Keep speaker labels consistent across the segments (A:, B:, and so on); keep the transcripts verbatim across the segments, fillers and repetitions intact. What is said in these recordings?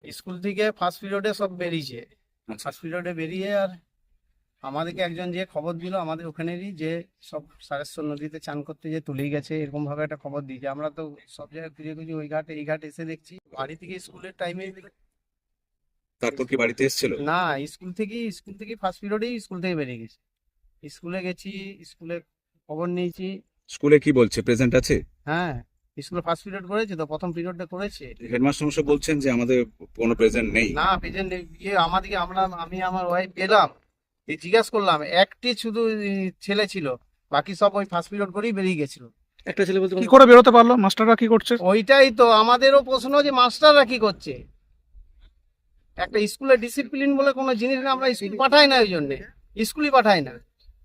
A: School থেকে first পিরিয়ডে সব বেরিয়েছে,
B: আচ্ছা।
A: ফার্স্ট পিরিয়ডে বেরিয়ে আর আমাদেরকে একজন যে খবর দিল আমাদের ওখানেরই, যে সব সারেশ্বর নদীতে চান করতে যে তুলেই গেছে, এরকম ভাবে একটা খবর দিয়েছে। আমরা তো সব জায়গায় খুঁজে খুঁজে ওই ঘাটে এই ঘাটে এসে দেখছি বাড়ি থেকে স্কুলের টাইমে।
B: তারপর কি বাড়িতে এসেছিল?
A: না, স্কুল থেকেই স্কুল থেকে ফার্স্ট পিরিয়ডেই স্কুল থেকে বেরিয়ে গেছে। স্কুলে গেছি, স্কুলে খবর নিয়েছি।
B: স্কুলে কি বলছে, প্রেজেন্ট আছে?
A: হ্যাঁ, স্কুলে ফার্স্ট পিরিয়ড করেছে তো, প্রথম পিরিয়ডটা করেছে।
B: হেডমাস্টার মশাই বলছেন যে আমাদের কোনো প্রেজেন্ট নেই।
A: না, প্রেজেন্ট গিয়ে আমাদেরকে, আমরা আমি আমার ওয়াইফ গেলাম, এই জিজ্ঞাসা করলাম, একটি শুধু ই, ছেলে ছিল, বাকি সব ওই ফার্স্ট পিরিয়ড করেই বেরিয়ে গেছিল।
C: একটা ছেলে বলতে
D: কি করে বেরোতে পারলো? মাস্টাররা কি করছে?
A: ওইটাই তো আমাদেরও প্রশ্ন, যে মাস্টাররা কি করছে। একটা স্কুলের ডিসিপ্লিন বলে কোনো জিনিস না, আমরা স্কুল পাঠাই না, ওই জন্যে স্কুলই পাঠাই না।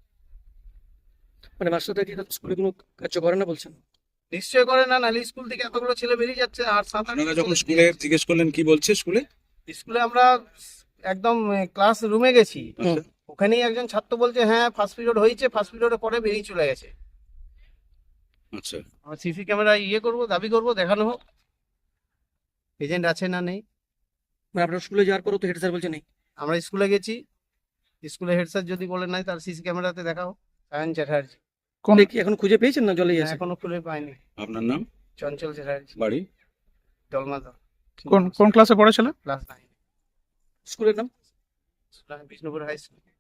C: মানে মাস্টাররা কি স্কুলে কোনো কার্য করে না বলছেন?
A: নিশ্চয় করে না, নাহলে স্কুল থেকে এতগুলো ছেলে বেরিয়ে যাচ্ছে। আর সাত আট
B: আপনারা যখন স্কুলে জিজ্ঞেস করলেন কি বলছে স্কুলে?
A: স্কুলে আমরা একদম ক্লাস রুমে গেছি,
B: আচ্ছা।
A: ওখানেই একজন ছাত্র বলছে হ্যাঁ ফার্স্ট পিরিয়ড হয়েছে, ফার্স্ট পিরিয়ডের পরে বেরিয়ে চলে গেছে।
B: আচ্ছা।
A: আমরা সিসি ক্যামেরা ইয়ে করবো, দাবি করবো, দেখানো হোক এজেন্ট আছে না নেই।
C: মানে আপনার স্কুলে যাওয়ার পরও তো হেড স্যার বলছে নেই।
A: আমরা স্কুলে গেছি, স্কুলে হেড স্যার যদি বলে নাই, তার সিসি ক্যামেরাতে দেখাও। সায়ন চ্যাটার্জি।
D: কোন
C: দেখি এখন খুঁজে পেয়েছেন না জলেই আছে?
A: এখনো খুলে পাইনি।
B: আপনার নাম?
A: চঞ্চল চ্যাটার্জি,
B: বাড়ি?
A: জলমাদা,
D: কোন কোন ক্লাসে পড়েছিল?
A: ক্লাস নাইন,
C: স্কুলের নাম?
A: Bishnupur high school.